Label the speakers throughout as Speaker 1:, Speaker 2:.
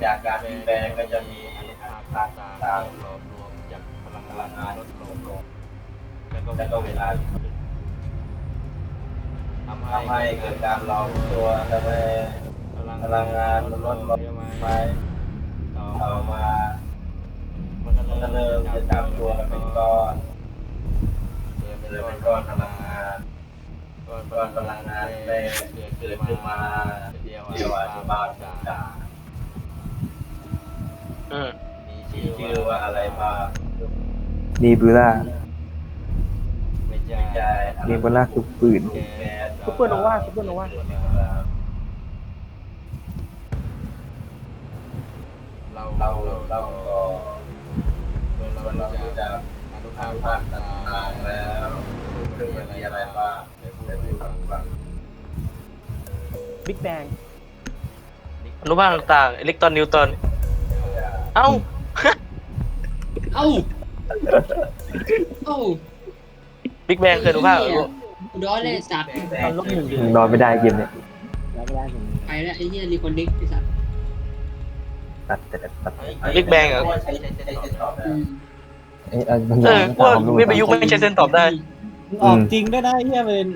Speaker 1: จากการเปลี่ยนแปลงก็จะมีต่าง
Speaker 2: หลอมรวมจากพลัง
Speaker 1: พลังงาน
Speaker 2: ลดล
Speaker 1: ล
Speaker 2: ง
Speaker 1: ดลง
Speaker 2: แล้วก็เวลาทำ
Speaker 1: ทำให้เกิดการหลอมตัวทำให้พลังงานมันลดลงไปต่อมามันก็เริ่มจะจับตัวเป็นก้อนเลยเป็นก้อนพลังงานก้อนพลังงานแรกเกิดขึ้นมาเรียกว่าบาจามีชื่อว่าอะไรบ้าง
Speaker 3: นีบูล่า
Speaker 2: ไม่ใช่
Speaker 1: ใช่
Speaker 3: นีบูล่าคือปืน
Speaker 1: แก๊ส
Speaker 4: ซุปเปอร์โนวาซุปเปอร์โนวา
Speaker 2: เรา
Speaker 1: เรา
Speaker 2: เรา
Speaker 1: ก็เรารู้จัก
Speaker 2: อนุ
Speaker 1: ทา
Speaker 2: ภาง ค
Speaker 1: ภาคต่างๆแล้วเรื่องมันมีอะไรบ้างในผู้ฟัง
Speaker 4: บิ๊กแบง
Speaker 5: อนุภาคต่างๆอิเล็กตรอนนิวตรอนเอ้า
Speaker 6: เอ้าเอ้า
Speaker 5: บิ๊กแบงคืออนุภาค
Speaker 6: กูร้อนเลยสัตว์
Speaker 4: ตอนลบหนึ่ง
Speaker 3: นอนไม่ได้เกมเนี่ย
Speaker 4: แล้วไม่ได้ผม
Speaker 6: ไปแล้วไอ้เหี้ยรีคอนเน็กไอ้สัตว์
Speaker 3: ตัด
Speaker 5: บิ๊กแบงเหรอ
Speaker 1: ใช้ตอบ
Speaker 6: อืม
Speaker 3: บางอ
Speaker 5: เอย่าง อว่าวิทยุไม่ใช่เส้นตอบได้
Speaker 4: ออกจริงได้เฮียเป็น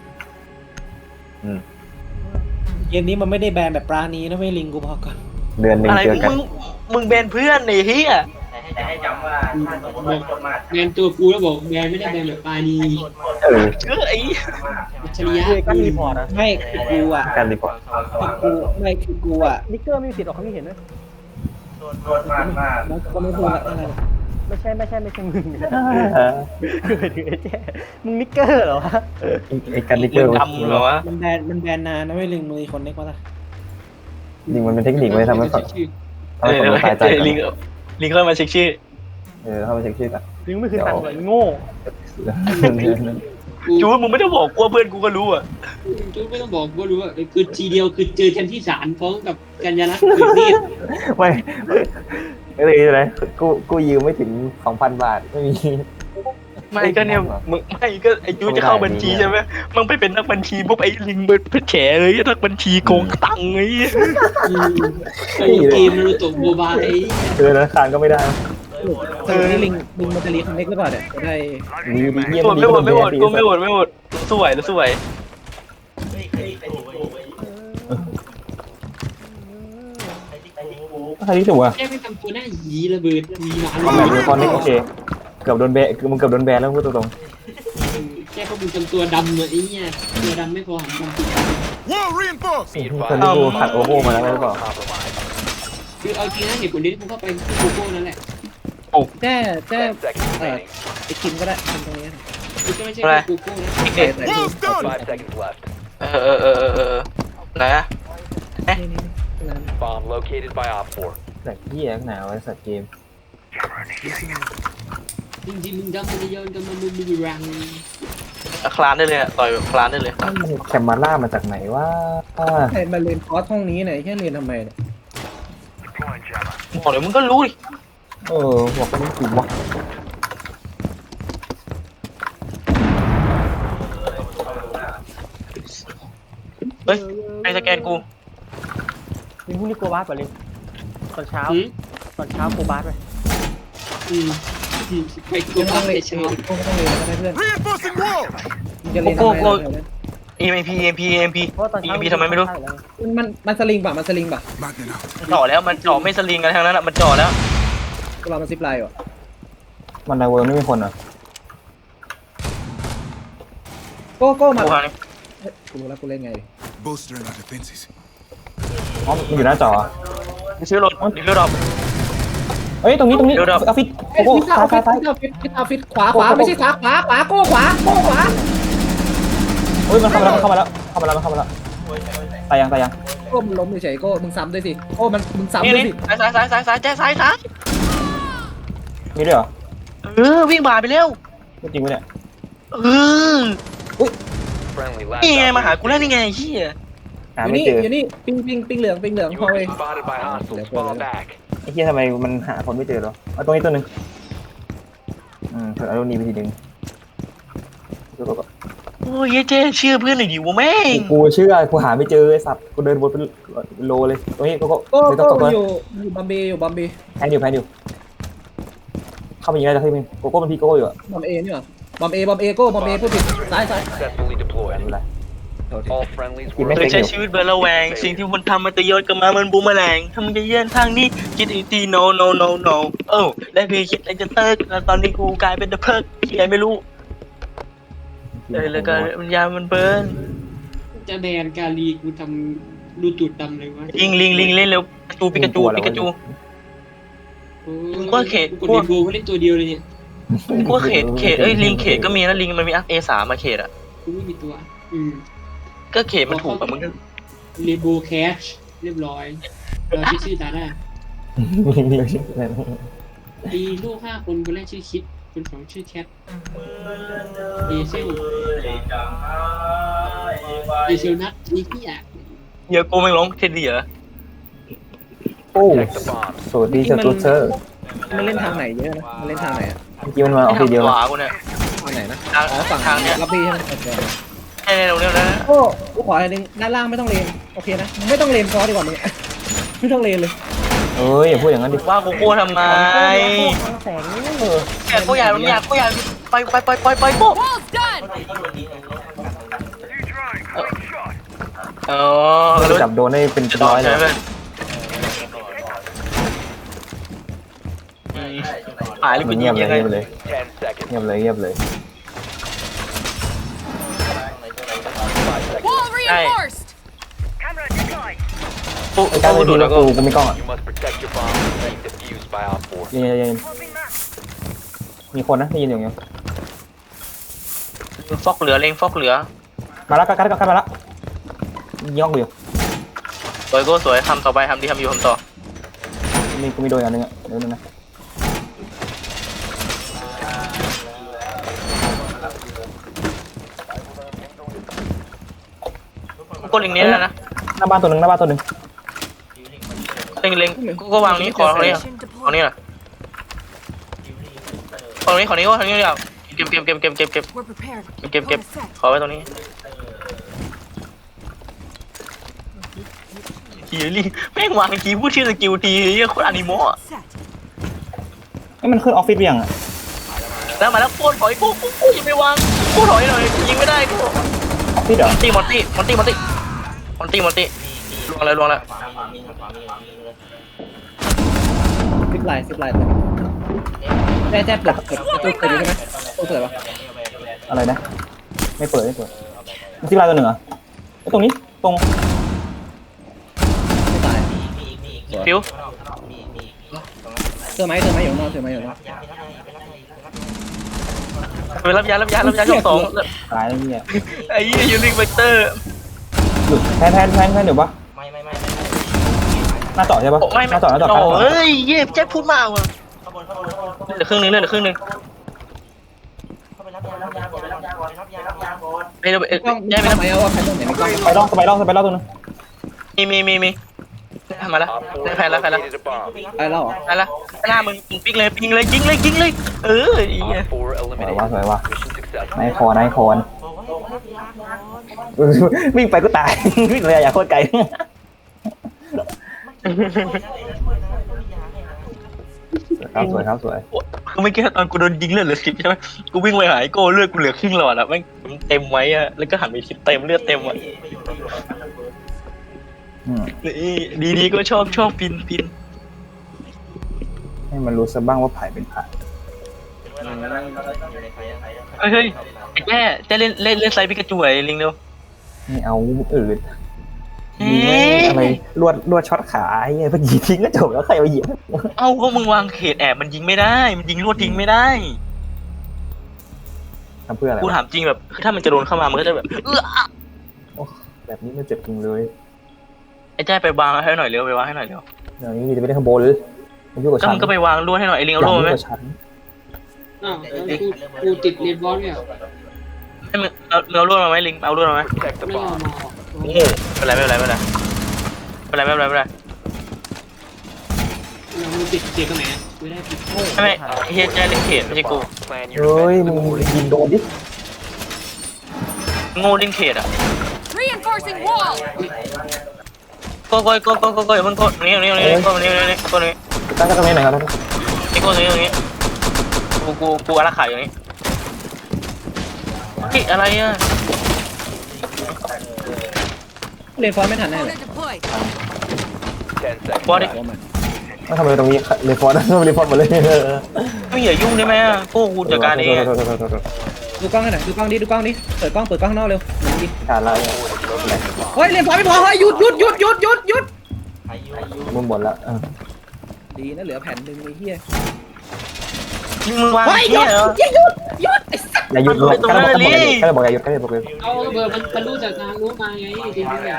Speaker 4: เกมนี้มันไม่ได้แบนแบบปราณีนะไม่ลิงกูพอก่อน
Speaker 3: เดือนหนึ่ง
Speaker 5: อะไร
Speaker 3: เจอกัน
Speaker 5: มึงเบนเพื่อนไอ้เหี้ย
Speaker 1: แต่ให้จำว่าถ้าสมมติว่าคนมาก
Speaker 6: แบนตัวกูแล้วบอกแบนไม่ได้แบนแบบปานี
Speaker 3: เออ
Speaker 5: ไอ้
Speaker 6: อัจฉริยะ
Speaker 4: คือกันรีพอร์ตอะไม่คือกูอ่ะ
Speaker 3: การรีพอร์ต
Speaker 4: คือกูไม่คือกูอ่ะนิกเกอร์ไม่มีสิทธิ์ออกความคิดเห็นนะ
Speaker 1: โดนมาก
Speaker 4: แล้วก็ไม่พูดละไม่ใช่มึงคือไปถึงไอ้แจ้มึงนิกเกอร์เหรอวะ
Speaker 3: ไอ้การลิเก
Speaker 5: มึ
Speaker 3: อง ร์
Speaker 5: ดำเหรอวะ
Speaker 4: มันแบนนานนะไม่ลิงมึงคนเน็กวะล่ะ
Speaker 3: จริงมันเป็นเทคนิคไว้ทำให้ฝั่ง
Speaker 6: ชื่อ
Speaker 3: ทำให้ฝั่งตายใจก่อน
Speaker 5: ลิงเข้ามาเช็คชื่อ
Speaker 3: เข้ามาเช็คชื่อกัน
Speaker 4: ลิงไม่คือตังค์เลยโง่
Speaker 5: จูนมึงไม่ต้องบอกกลัวเพื่อนกูก็รู้อ่ะ
Speaker 6: จูไม่ต้องบอกกูรู้ว่าคือทีเดียวคือเจอกันที่ศาลฟ้องกับกัญญาลักษณ์คือนี่
Speaker 3: ไม่เลยเลยกูยืมไม่ถึง 2,000 บาทไม่มี
Speaker 5: ไม่ก็เนี่ยมึงไม่ก็ไอ้จูนจะเข้าบัญชีใช่ไหมมึงไปเป็นนักบัญชีปุ๊บไอ้ลิงเป็นแฉเลยนักบัญชีโกงตังค์ไอ้
Speaker 6: เกมนารูโตะโบบาย
Speaker 3: ธนาคารก็ไม่ได้
Speaker 4: นี่ลิงมันจะรีคอนเน็กหรือเปล่าเนี่ยจะได้
Speaker 3: ดีเยี่ยม
Speaker 5: ไม่หมดกูไม่หมดสวยแล้วสวย
Speaker 3: ใครที่ถูกอ่ะ
Speaker 6: แค่ไม่ทำตัวหน้าหยีระเบิดมีหมา
Speaker 3: แบบยูคอนนี่โอเคเกือบโดนแบนมึงเกือบโดนแบนแล้วพูดตรง
Speaker 6: แค่พวกมึงทำตัวดำเลยไอ้เนี่ยตัวดำไม่พอหันมา
Speaker 3: ๆคนที่กูผัดโอโหมาแล้วหรือเปล่า
Speaker 6: คือเอาจริงนะเหตุผลที่กูเข้าไปคือโกโก้นั่นแหละ
Speaker 4: แจ้ไอ้คิมก็ได้ทำตรงนี้
Speaker 6: คือก็ไม่ใช่โกโก้นะ
Speaker 5: เด็ก
Speaker 4: แต่คือ
Speaker 5: ไหนอะ
Speaker 7: Bomb located by Op 4.
Speaker 3: แต่ที่แย่หนาวไอ้สัตว์เกม
Speaker 6: จริงๆมึงดำมันจะย้อนกันมามึงมีรัง
Speaker 5: คลานได้เลยต่อยคลานได้เลย
Speaker 3: แคมมาล่ามาจากไหนวะ
Speaker 4: ใครมาเรียนคอร์สห้องนี้เนี่ยแค่เรียนทำไมเนี่ย
Speaker 5: บอกเลยมึงก็รู้ดิ
Speaker 3: บอกไม่ถูกวะ
Speaker 5: เฮ้ยไอ้สแกนกู
Speaker 4: ลิงพรุ่งนี้โกบาสป่ะลิงตอนเช้าโกบาสไป
Speaker 6: ไปกูพักในเช้า
Speaker 4: โก้ต้องเรียนก็ได้เพื่อนมึงจะเรียนทำไม
Speaker 5: EMP
Speaker 4: เพราะตอนเช้า
Speaker 5: ทำไมไม่รู้
Speaker 4: มันสลิงป่ะมัน
Speaker 5: จ่อแล้วมันจ่อไม่สลิงกันทั้งนั้นอ่ะมันจ่อแล้ว
Speaker 4: ก็เรามันซิปไลน์อ่ะ
Speaker 3: มันในเวิร์ไม่มีคนอ่ะ
Speaker 4: โก้มา
Speaker 5: กูหา
Speaker 4: กูรู้แล้วกูเล่นไง
Speaker 8: Bolstering our defenses.
Speaker 3: อ๋อมันอยู่หน้าจอ
Speaker 5: ซื้อรถซื้อรถ
Speaker 3: เฮ้ยตรงนี้ออฟฟิศโอ้โหซ้าย
Speaker 4: ฟิตขวาไม่ใช่ขวาโก้ขวา
Speaker 3: เฮ้ยมันเข้ามาแล้วตายยัง
Speaker 4: โก้มึงล้มเฉยโก้มึงซ้ำด้วยสิโก้มึงซ้ำ
Speaker 5: นี่
Speaker 4: ด้วย
Speaker 5: นี่
Speaker 4: สิ
Speaker 5: ซ้าย
Speaker 3: มีด้วยเหรอ
Speaker 5: วิ่งบ่าไปเร็ว
Speaker 3: จริงไหมเนี่ย
Speaker 7: Friendly last
Speaker 5: นี่ไง
Speaker 7: operator
Speaker 5: มาหากูแล้วนี่ไงเฮีย
Speaker 3: หาไม่เจอ
Speaker 4: อยู่นี่ปิงเหลืองพอ
Speaker 7: You
Speaker 4: เล
Speaker 7: have
Speaker 4: ย
Speaker 7: been spotted by hostiles. Fall back.
Speaker 3: ไอ้เหี้ยทำไมมันหาคนไม่เจอหรอเอาตรงนี้ตัวนึงเถอะเอาตรงนี้ไปทีนึงดูก่อน
Speaker 5: อ้ยเจ๊เชื่อเพื่อนหน่อยดิวะแม่ง
Speaker 3: กูเชื่อกูหาไม่เจอไอ้สัตว์กูเดินวนเป็นโลเลยตรงนี้ก็
Speaker 9: ก็
Speaker 3: ไม่ต้องตกเลย
Speaker 9: อยู่บัมเบย์
Speaker 3: แพนอยู่เข้าไปยิงได้จะขึ้นมั้ยโกโก้มันพี่โกโก้อยู่อะ
Speaker 9: บัมเอนี่หรอบัมเอก็บัมเอพูดผิดซ้าย
Speaker 7: Successfully
Speaker 3: ไม่
Speaker 7: deployed.
Speaker 3: เป็นไร
Speaker 7: All friendlies
Speaker 3: กิน
Speaker 7: were
Speaker 3: ไม่
Speaker 5: เค
Speaker 3: เป็
Speaker 5: ย
Speaker 3: น
Speaker 5: ใช้ชีวิตเบอร์ระแวงสิ่งที่มันทำมันจะย้อนกลับมามันบูมแมลงถ้ามึงจะเยื่อนทางนี้คิดอีกที no ได้เพียงคิดอะไรจะเติร์กแล้วตอนนี้กูกลายเป็นเดอะเพิร์กที่ไหนไม่รู้แล้วก็มันยามันเบิร์น
Speaker 6: จะแบนกาลีกูทำรูตูดดำเลยวะ
Speaker 5: ลิงเล่นเร็วปิกาจู มึงก็เขต
Speaker 6: กูกดเรนโบว์เขาเล่นตัวเดียวเลยเนี่ย
Speaker 5: กูว่าเขตลิงเขตก็มีนะลิงมันมีอัพ A3 มาเขตอ่ะ
Speaker 6: กูไม่มีตัว
Speaker 5: ก็เขตมันถูกอะมึง
Speaker 6: เรนโบว์แคชเรียบร้อยเราชื่อตาได้มีลูก5 คนคนแรกชื่อคิดคนสองชื่อแคทเอเซลนัทนี่พี่อ่ะ
Speaker 5: เดี๋ยวกูไม่ร้องเทดดี้เหรอ
Speaker 3: โอ้
Speaker 7: Protect the bomb.
Speaker 3: สวัสดีเจ้าตัวเธอ
Speaker 9: มันเล่นทางไหนเยอะนะมันเล่นทางไหนอะ
Speaker 3: เมื่อกี้มันมาออกทีเดียว
Speaker 5: ข
Speaker 3: แล้ว
Speaker 5: วากูเนี่ย
Speaker 9: ทางไหนนะ
Speaker 5: ทาง
Speaker 9: อ๋อฝั่ง
Speaker 5: ทางเนี้ย
Speaker 9: ลับบี้ใช่ไหมโอเค
Speaker 5: ใช่ตรงเนี้ยนะ
Speaker 9: โอ้กูขออะไรนึงด้านล่างไม่ต้องเลนโอเคนะไม่ต้องเลนฟอสดีกว่ามึง ไม่ต้องเลนเลย
Speaker 3: เอ้ยอย่าพูดอย่างนั้นดิ
Speaker 5: ว่ากูโก้ทำไม
Speaker 4: แสงนี่
Speaker 5: แกกูอยากไปโก้อ๋อ
Speaker 3: จับโดนได้เป็นร้อยเลย
Speaker 5: หายเลยกู
Speaker 3: เงี
Speaker 5: ยิ
Speaker 3: ย
Speaker 5: ง
Speaker 3: บ
Speaker 5: ยังไง
Speaker 3: เลย
Speaker 7: 10 seconds.
Speaker 3: เงียบเลย
Speaker 5: ใช่
Speaker 3: ไอ้การไปดูแล้วกูไม่กล้องอ่ะ
Speaker 7: You must protect your bomb from being defused by Op 4.
Speaker 3: ยิงมีคนนะได้ยินอย่างเงี้ย
Speaker 5: ฟอกเหลือเล็งฟอกเหลือ
Speaker 3: มาแล้วกันมาแล้วย่องอยู่
Speaker 5: สวยโก้สวยทำต่อไปทำดีทำอยู่ทำต่อ
Speaker 3: มีกูมีโดนอันนึงอ่ะเดี๋ยวนึงนะ
Speaker 5: ก็เล็งนี้แล้วนะ
Speaker 3: หน้าบ้านตัวหนึ่ง
Speaker 5: เล็งก็วางนี้ขอนี้ของนี้แหละของนี้ก็ทางนี้เดียวเก็บขอไว้ตรงนี้ทีลี่แม่งวางทีพูดชื่อสกิลทีเรียกคนอนิโมะ
Speaker 3: ไอ้มันขึ้นออฟฟิศยังอ่ะ
Speaker 5: แล้วมาแล้วโคตรถอยกูยังไม่วางกูถอยหน่อยยิงไม่ได้กู
Speaker 3: ออฟฟิศเหรอ
Speaker 5: มอนตี้ลวงแล้ว
Speaker 9: ซิปไลน์แจ๊บเปิดประตูเปิดใช่ไหมประตูเปิดปะ
Speaker 3: อะไรนะไม่เปิดมันที่ลายตัวหนึ่งอ่ะไอ้ตรงนี้ตรง
Speaker 9: ไม่ตาย
Speaker 5: ฟิว
Speaker 9: เจอไหมอยู่นอก
Speaker 5: ไปรับยาช่องสอง
Speaker 3: ตายแล้วเนี่ย
Speaker 5: ไอ้ยี่ยูนิคเวกเตอร์
Speaker 3: หยุดแพนเดี๋ยวปะหน้าต่อใช่ปะหน้าต่อ
Speaker 5: เฮ้ยเย่แจ็คพูดมากว่ะเหลือครึ่งนึงไปเรา
Speaker 9: กล้อง
Speaker 5: ย้ายไป
Speaker 9: ไม่
Speaker 5: แล้ว
Speaker 9: ไหมเอาว่าใครตรงไหนมีกล้อง
Speaker 3: ไปล่องตัวนึง
Speaker 5: มีมาแล้ว
Speaker 7: Op 4
Speaker 5: ได้แพ้แล้ว
Speaker 7: located a bomb.
Speaker 9: ไปแล้วเหรอ
Speaker 5: ไปแล้วหน้ามึงปิงเลยยิงเลยเออไอ้เหี้ย
Speaker 7: Op 4 eliminated.
Speaker 3: สวยว่ะ
Speaker 7: Mission successful.
Speaker 3: นายคอนวิ่งไปก็ตายวิ่งเลยอยากโคตรไกลสวย
Speaker 5: กูไม่เก็ตตอนกูโดนยิงเลือดเหลือ10ใช่ไหมกูวิ่งไปหายโก้เลือดกูเหลือครึ่งหลอดอะแม่งเต็มไว้อะแล้วก็หันไปทิศเต็มเลือดเต็มอะดีก็ชอบปิน
Speaker 3: ให้มันรู้ซะบ้างว่าไผ่เป็นไผ่
Speaker 5: เฮ้ยแกเล่นไซปิกาจูไอ้ลิงเร็ว
Speaker 3: ไม่เอาอื่นมีอะไรลวดช็อตขาไอ้เงี้ยพอยิงทิ้งก็จบแล้วใครมาเหยียบ
Speaker 5: เอ้าก็มึงวางเขตแอบมันยิงไม่ได้มันยิงลวดทิ้งไม่ได้
Speaker 3: ทำเพื่ออะไร
Speaker 5: กูถามจริงแบบคือถ้ามันจะโดนเข้ามามันก็จะแบบ
Speaker 3: แบบนี้มันเจ็บจริงเลย
Speaker 5: ไอ้แจ้ไปวางให้หน่อยเร็ว
Speaker 3: เดี๋ยวนี้มีจะไปได้ข้างบนเลยมันยุ่งกับ
Speaker 5: ก็
Speaker 3: ฉัน
Speaker 5: มึงก็ไปวางลวดให้หน่อยไอ้ลิงเอาลวดไหม
Speaker 3: ฉัน
Speaker 6: อ้าวแล้วกูติดเรนบอลเนี่ย
Speaker 5: ให้มึงเอาลวดมาไหมลิงเอาลวดมาไหม
Speaker 7: Protect the
Speaker 6: ไม่เอา
Speaker 7: bomb.
Speaker 6: มา
Speaker 5: โอ้โหไม่เป็นไร
Speaker 6: เราติดเกียร์กันไหนไม่ได้ติด
Speaker 5: ไม่เฮียแจ้เล่นเขตไม่ใช่กู
Speaker 7: Plan
Speaker 3: เฮ้ย
Speaker 7: your
Speaker 3: มึง
Speaker 7: defense
Speaker 3: ยิงโดนดิ
Speaker 5: โง่เล่นเขตอ่ะ
Speaker 10: Reinforcing wall.
Speaker 5: ก็อย่าเพิ่งกดนี่ก็นี่
Speaker 3: ตั้งก็ตรงนี้หน่อยครับ
Speaker 5: นี่ก็นี่กูอารักขาอยู่นี่เฮ้ยอะไรอ่ะ
Speaker 9: เรียนฟอนไม่ทันแน่เลย
Speaker 10: Opponent deployed.
Speaker 7: 10 seconds.
Speaker 5: บอสดิ
Speaker 3: ต้องทำอะไรตรงนี้รีฟอร์ดรีฟอร์ดหมดเลย
Speaker 5: ไม่อย่ายุ่งได้ไหมอ่ะพวกกูจัดการเอง
Speaker 9: ดูกล้องให้หน่อยดูกล้องดิเปิดกล้องข้างนอกเร็วดิ
Speaker 3: ขาดแล้ว
Speaker 9: เฮ้ยเรียนฟอนไม่พอเฮ้ยหยุด
Speaker 3: มุมบนแล้ว
Speaker 9: ดีนะเหลือแผ่นหนึ่งไอ้เหี้ย
Speaker 5: มึงวาง
Speaker 9: เฮ้ยหยุ
Speaker 5: เหี้
Speaker 9: ด
Speaker 5: ยเหรอ
Speaker 9: หยุดไอ้สัส
Speaker 3: อย่าหยุดเลยแค่บอกอย่าหยุดแค่บอกอย่าหยุด
Speaker 6: เอาเบอร์มันรู้จากทางรู้มาไงจริงๆเนี่ย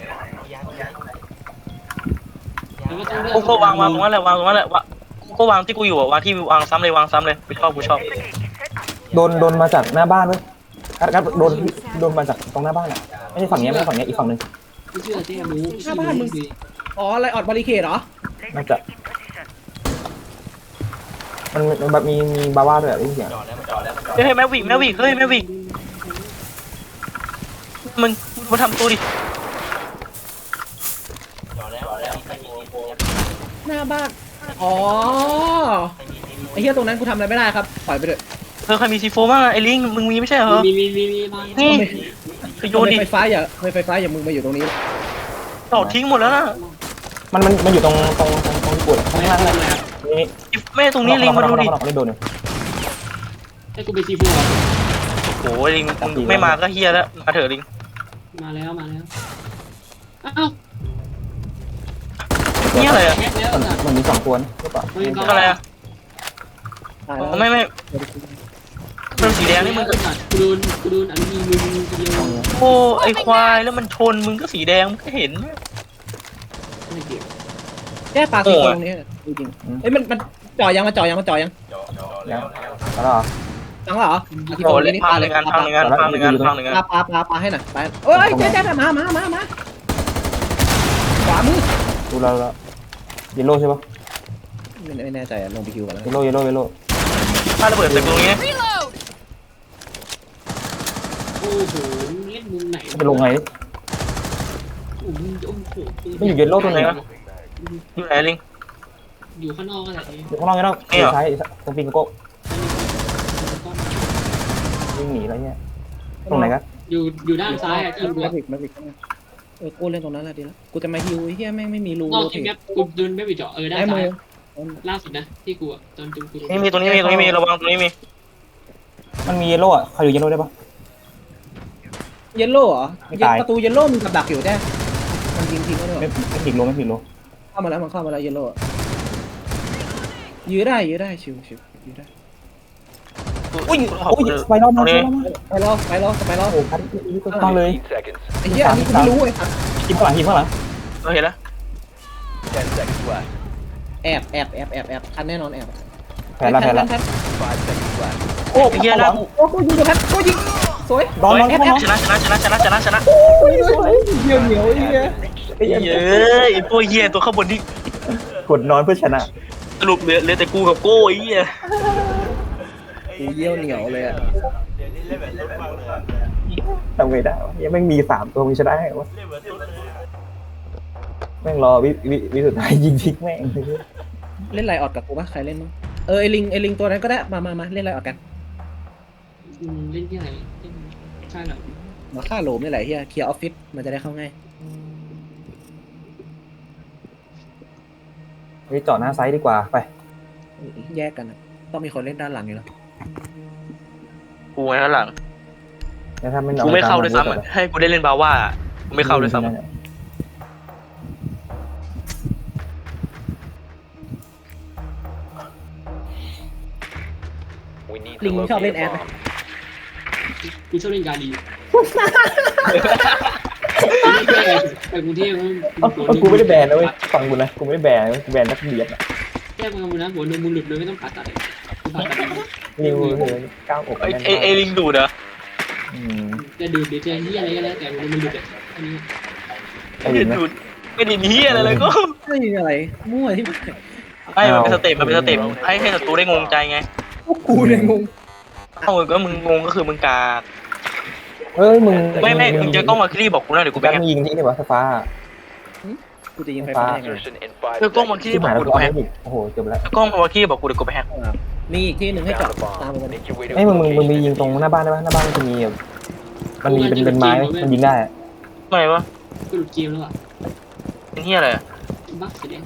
Speaker 6: แล้วก็ต้องเลือก
Speaker 5: กูก็วางตรงนั้นแหละวางกูก็วางที่กูอยู่อ่ะวางที่วางซ้ำเลยกูชอบ
Speaker 3: โดนมาจากหน้าบ้านเว้ยครับโดนมาจากตรงหน้าบ้านอ่ะไม่ใช่ฝั่งนี้ไม่ใช่ฝั่งนี้อีกฝั่งนึง
Speaker 6: ไม่เชื่อเจ๊รู้
Speaker 9: หน้าบ้านมึงอ๋ออะไรออดบาริเคดเหรอ
Speaker 3: น่าจะมันแบบมีบาว่าด้วยได้ยินเสียง
Speaker 5: เฮ้ยแมววิกเฮ้ยแมววิกมึงทำตัวดิ
Speaker 9: หน้าบ้านอ๋อไอ้เหี้ยตรงนั้นกูทำอะไรไม่ได้ครับปล่อยไปเถอะ
Speaker 5: ใครมีซีโฟบ้างไอ้ลิงมึงมีไม่ใช่เหรอ
Speaker 6: มีมา
Speaker 5: นี่ไปโยนดิ
Speaker 9: ไฟฟ้าอย่ามึงมาอยู่ตรงนี้
Speaker 5: ต่อทิ้งหมดแล้วนะ
Speaker 3: มันอยู่ตรงที่ปวดข้างล่างเลยนี่
Speaker 5: ไม่ตรงนี้ลิงมาดูดิ
Speaker 3: ไม่โดนเลย
Speaker 6: ให้กูไปซีฟูอ่ะ
Speaker 5: โอ้ยลิงมึงไม่มาก็เฮียแล้วมาเถอะลิง
Speaker 6: มาแล้วอ้าว
Speaker 5: นี่อะไรอ่ะ
Speaker 6: แคปแล้ว
Speaker 3: มันมี2ตัวหรือเปล่า
Speaker 5: อะไรอ่ะไม่มันสีแดงนี่มึง
Speaker 6: กูโดนอันนี้มึงเดียว
Speaker 5: โอ้ไอควายแล้วมันชนมึงก็สีแดงมึงก็เห็น
Speaker 6: ไม่เกี่ยว
Speaker 9: แก้ปลาสีตรงนี้จริงเอ้ยมันจ่อยัง
Speaker 3: แล้ว
Speaker 9: จังเหรอ
Speaker 5: โอ้เล่นพังหนึ่งงานปลา
Speaker 9: ให้หน่อยไปเอ้ยเจ๊มาขวามือ
Speaker 3: ดูแล้วเยลโล่ใช่ปะ
Speaker 9: ไม่แน่ใจลงไปคิวกันแล้ว
Speaker 3: เยลโล่
Speaker 5: ถ้าระเบิดตึกตรงนี้
Speaker 10: Reload.
Speaker 6: โอ้โหเล่นมุมไหน
Speaker 3: จะลงไง
Speaker 6: โอ้โห
Speaker 3: ไม่อยู่เยลโล่ตรงไหนวะ
Speaker 5: อยู่ไหนลิง
Speaker 6: อยู่ข้างนอกก็แหละ
Speaker 3: อยู่ข้างนอกนี่เนาะใช้ตรงปิงโก้วิ่งหนีแล้วเนี่ยตรงไหนกัน
Speaker 6: อยู่ด้านซ้ายอ่ะที่ดู
Speaker 9: มาบิกกูเล่นตรงนั้นแหละดีแล้วกูจะมาฮิวไอ้เหี้ยแม่งไม่มีรู
Speaker 6: นอกที่แมปกูเดินไม่ไปเจาะด้านซ้ายล่าสุดนะที่กูตอนกู
Speaker 5: นี่มีตรงนี้มีระวังตรงนี้มี
Speaker 3: มันมีเยลโล่อะใครอยู่เยลโล่ได้ปะ
Speaker 9: เยลโล่เหรอประตูเยลโล่มีกับดักอยู่แน่มันยิงทิ้งก็ได้
Speaker 3: ไม่ผิดโล
Speaker 9: เข้ามาแล้วมันเข้ามาแล้วเยลโล่ยื้อได้ชิวยื้อได้
Speaker 3: อุ้ยไปรอบมา
Speaker 9: ไปรอ
Speaker 3: โอ้พัดต้องเลย
Speaker 7: 15 seconds.
Speaker 9: ไอ้เหี้ยอันนี้กูไม่รู้ไอ้สัส
Speaker 3: ทีมข้างหลัง
Speaker 5: เราเห็นแล้ว
Speaker 7: 10 seconds left.
Speaker 9: แอบทันแน่นอนแอบ
Speaker 3: แพ้แล้ว
Speaker 7: 5 seconds left.
Speaker 3: โอ้
Speaker 5: ไอ้เฮียนะ
Speaker 9: โอ้กูยิงกับแพทกูยิงสวย
Speaker 3: ร้อน
Speaker 5: ชนะ
Speaker 9: สวยเหนียวไอ้เหี้ย
Speaker 5: เย้ไอ้พวกเฮียตัวข้างบนที่
Speaker 3: กดนอนเพื่อชนะ
Speaker 5: สรุปเหลือแต่กูกับโก้ไอ้เฮีย
Speaker 9: กูเยี่ยวเหนียวเลยอ่ะ
Speaker 3: ทำไงได้ยังไม่มี3ตัวมึงชนะไงวะแม่งรอวิสุดท้ายยิงทิ้งแม่ง
Speaker 9: เล่นไลออดกับกูปะใครเล่นมั้งไอลิงตัวนั้นก็ได้มาเล่นไลออดกัน
Speaker 6: เล่นที่ไหนใช่เหรอ
Speaker 9: มาฆ่าโหลมนี่แหละเฮียเคลียร์ออฟฟิศมันจะได้เข้าง่าย
Speaker 3: ไปจอดหน้าไซต์ดีกว่าไป
Speaker 9: แยกกันต้องมีคนเล่นด้านหลังอยู่แล้ว
Speaker 5: กูไงข้างหลัง
Speaker 3: ถ้าไม่
Speaker 5: กูไม่เข้าด้วยซ้ำให้กูได้เล่นบาว่ากูไม่เข้าด้วยซ้ำ
Speaker 7: We need
Speaker 9: ลิ
Speaker 7: to
Speaker 9: งชอบเล่น
Speaker 7: locate
Speaker 9: แอ
Speaker 7: a
Speaker 9: ดไหม
Speaker 7: bomb.
Speaker 6: กูชอบเล่นการดีไปกรุงเทพ
Speaker 3: กูไม่ได้แบนนะเว้ยฟังกูนะกูไม่ได้แบนกูแบนนักเบียด
Speaker 6: แก้มานะหัวนมมึงหลุดเลยไม่ต้องผ่าตัดเลยผ่าตัด
Speaker 3: นิวเลยก้าวอก
Speaker 5: ไอ้ลิงดูดเหรอ
Speaker 6: จะดูดหรือจะที่อะไรก็แล้วแต่หัวนมมึงหลุดอันนี้
Speaker 3: ไอ้
Speaker 5: ไม่
Speaker 3: ลิ
Speaker 5: ได้
Speaker 3: ง
Speaker 5: ดูดไม่ได้มีเฮียอะไรเลยก็
Speaker 9: ไม่มีอะไรมั่วที่
Speaker 5: ให้มันเป็นสเต็ปให้ศัตรูได้งงใจไง
Speaker 9: กูเลยงง
Speaker 5: เอ้าก็มึงงงก็คือมึงกา
Speaker 3: ไเอ้ยมึง
Speaker 5: ไม่มึงเจอกล้องมาคลี่บอกกูนะเดี๋ยวกูไป
Speaker 3: การ
Speaker 5: แฮก
Speaker 3: มึงยิงที่นี่วะไฟฟ้า
Speaker 4: กูจะยิงไฟฟ้ายังไง
Speaker 7: Insertion in 5
Speaker 5: เจอกล้องมา
Speaker 7: seconds.
Speaker 5: คลี่
Speaker 3: ที่
Speaker 5: บอ
Speaker 3: หาก ย
Speaker 5: กู
Speaker 3: แล้ว
Speaker 5: เดี๋ยวกูไปแฮก
Speaker 3: อีกโอ้โหจบแล้ว
Speaker 5: เจอกล้องมาคลี่บอกกูเดี๋ยวกูไปแฮก
Speaker 4: มีอีกที่หนึ่งให้เจาะ
Speaker 7: Found a
Speaker 4: ตาม
Speaker 7: bomb.
Speaker 4: มาเลย
Speaker 7: Make your way to
Speaker 3: ไอ้ย
Speaker 7: its
Speaker 3: มึงมี
Speaker 7: location.
Speaker 3: ยิงตรงหน้าบ้านได้ปะหน้าบ้านมันจะมีแบบมันมีเป็นไม้มันยิงได้อะ
Speaker 5: ทำไมวะ
Speaker 6: ก็หลุดเกมแล้วอ่ะ
Speaker 5: เป็นเฮียอะไรอะ
Speaker 6: บั๊กเสียแดง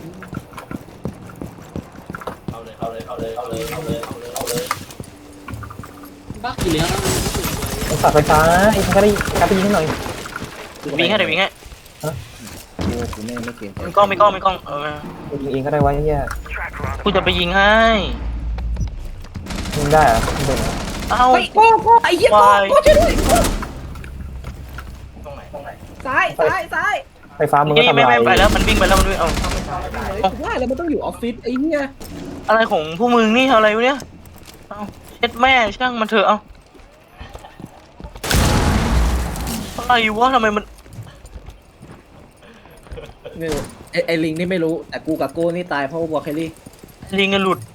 Speaker 1: เอาเลยเอาเลยเอาเลยเอาเลยเอาเลยเอาเลยเอาเลย
Speaker 6: บั๊กอยู่แล้วแล้วมันก็เปิดไว้
Speaker 3: ไอ้สัตว์ไฟฟ้าไอ้ใครก็ได้การไปยิงให้หน่อย
Speaker 5: วิ่งให้เดี๋ยววิ่งให้
Speaker 4: กูไม่เกม
Speaker 5: มีกล้องมีกล้องมีกล้อง
Speaker 3: ยิงเองก็ได้วะไอ้เนี่ย
Speaker 5: กูจะไปยิงให้
Speaker 3: ยิงได้เหรอไม่ได้เหรอ
Speaker 5: เอ้า
Speaker 9: โก้ไอ้เหี้ย
Speaker 5: วาย
Speaker 9: โก้ช่วยด้วย
Speaker 1: ตรงไหนตรงไหน
Speaker 9: ซ้ายซ้าย
Speaker 3: ไฟฟ้ามึงก็
Speaker 5: นี่
Speaker 3: ทำ
Speaker 5: ไม่
Speaker 3: ลาย
Speaker 5: ไปแล้วมันวิ่งไปแล้วมันวิ่งเอา
Speaker 9: ว่าแล้วมันต้องอยู่ออฟฟิศไอ้เนี่ย
Speaker 5: อะไรของพวกมึงนี่อะไรวะเนี่ยเอาเช็ดแม่ช่างมันเถอะเอาอะไรวะทำไมมัน
Speaker 9: ไม่รู้ไอ้ลิงนี่ไม่รู้แต่กูกับโก้นี่ตายเพราะวัวเคลลี่
Speaker 5: ลิงกันหลุด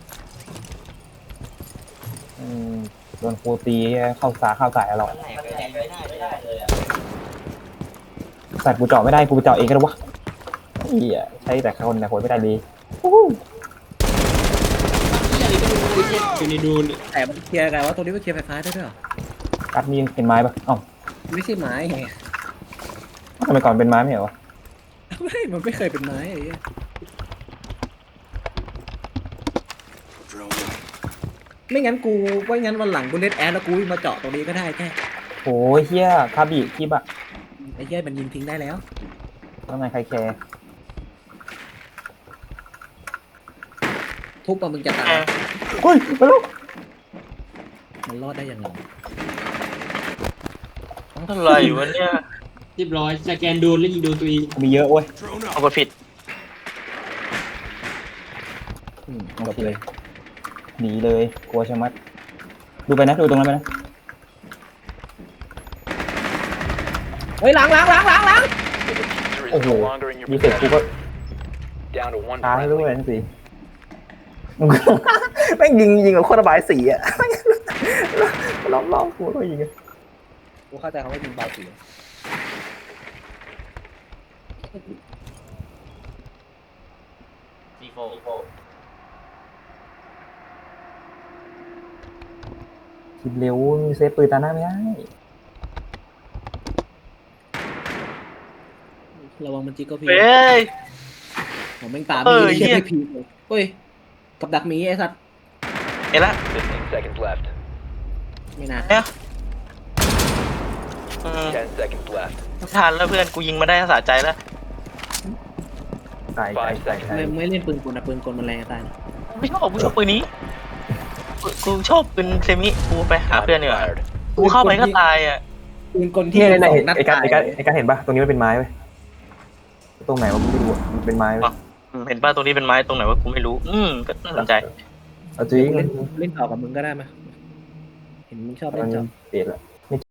Speaker 3: อืมโดนครูตีเข้าสายเรา
Speaker 1: มันแหกไม่ได้เลยอ่ะ
Speaker 3: สัตว์กูเจาะไม่ได้กูไปเจาะเองก็ได้วะเหี้ยใช้แต่คนแต่คนไม่ได้ดี
Speaker 6: บั๊กที่อะไรก็ไม่รู้เลยเนี่ยอยู่ในดูนเนี่ย
Speaker 9: แต่มันเคลียร์กันว่าตรงนี้มันเคลียร์ไฟฟ้าได้ด้วยเหรอ
Speaker 3: กัดมีเป็นไม้ปะเอ้า
Speaker 9: ไม่ใช่ไม้ไง
Speaker 3: ทำไมก่อนเป็นไม้ไม่เหรอวะ
Speaker 9: ไม่มันไม่เคยเป็นไม้ไอ้เนี่ย
Speaker 8: Drone in.
Speaker 9: ไม่งั้นวันหลังกูเล่นแอดแล้วกูวิ่งมาเจาะตรงนี้ก็ได้แค่
Speaker 3: โอ้ยเฮียคาบิคิบอะ
Speaker 9: ไอ้เหี้ยมันยิงทิ้งได้แล้ว
Speaker 3: ทำไมใครแคร์
Speaker 9: ทุบมามึงจะตาย
Speaker 3: เฮ้ยไปลูก
Speaker 9: มันรอดได้ยังไง
Speaker 5: อะไรวะเนี่ย
Speaker 6: เรียบร้อยสแกนโดนแล้วยิงโดนตัวเอง
Speaker 3: มีเยอะเว้ย
Speaker 8: Drone
Speaker 5: เอา
Speaker 8: up.
Speaker 5: กดผิด
Speaker 3: จบเลยหนีเลยกลัวชะมัดดูไปนะดูตรงนั้นไปนะ
Speaker 9: เฮ้ยหลัง
Speaker 7: The diffuser is
Speaker 3: โอ้โห
Speaker 7: no longer in your
Speaker 3: มีเสร็จกูก็
Speaker 7: possession. Down to one
Speaker 3: ตาย
Speaker 7: friendly.
Speaker 3: ด้วยนั่นสิแม่งยิงกับโคตรระบายสีอะ ล้อมกูก็ยิง
Speaker 9: กูเข้าใจคำว่ายิงเบาสี
Speaker 2: ซีโฟ
Speaker 3: คิดเร็วมีเซฟปืนตาหน้าไม่ได้
Speaker 9: ระวังมันจิกก็พี
Speaker 5: เฮ้ย
Speaker 9: ผมแม่งตาม
Speaker 5: เออ
Speaker 9: มี
Speaker 5: เหี้
Speaker 9: เหี้
Speaker 5: ย
Speaker 9: ยไม่พีเลยเฮ้ยกับดักหมีไอ้สัตว์
Speaker 5: เห็นละ
Speaker 7: 15 seconds left.
Speaker 9: ไม่น่า
Speaker 5: เนี่ย
Speaker 7: 10 seconds left.
Speaker 5: ทันแล้วเพื่อนกูยิงมาได้สะใจแล้ว
Speaker 3: ตาย
Speaker 9: ไม่เล่นปืนกลนะปืนกลมันแรงจะตายนะ
Speaker 5: ไม่ชอบกูชอบปืนนี้กูชอบปืนเซมิกูไปหาเพื่อนดีกว่า
Speaker 7: Fired.
Speaker 5: กูเข้าไปก็ตายอ่ะ
Speaker 9: ปืนกลที่
Speaker 3: ที่ไหน
Speaker 9: สองนัด
Speaker 3: ไอ้การ
Speaker 9: ตาย
Speaker 3: เห็นปะตรงนี้มันเป็นไม้เว้ยตรงไหนวะกูไม่รู้อะมันเป็นไม้เว้ย
Speaker 5: เห็นป่ะตรงนี้เป็นไม้ตรงไหนวะกูไม่รู้ก็น่าสนใจ
Speaker 3: เอาจริง
Speaker 9: เล่นต่อกับมึงก็ได้ไหมเห็นมึงชอบเล่นจอ
Speaker 3: เปลี่ยนละ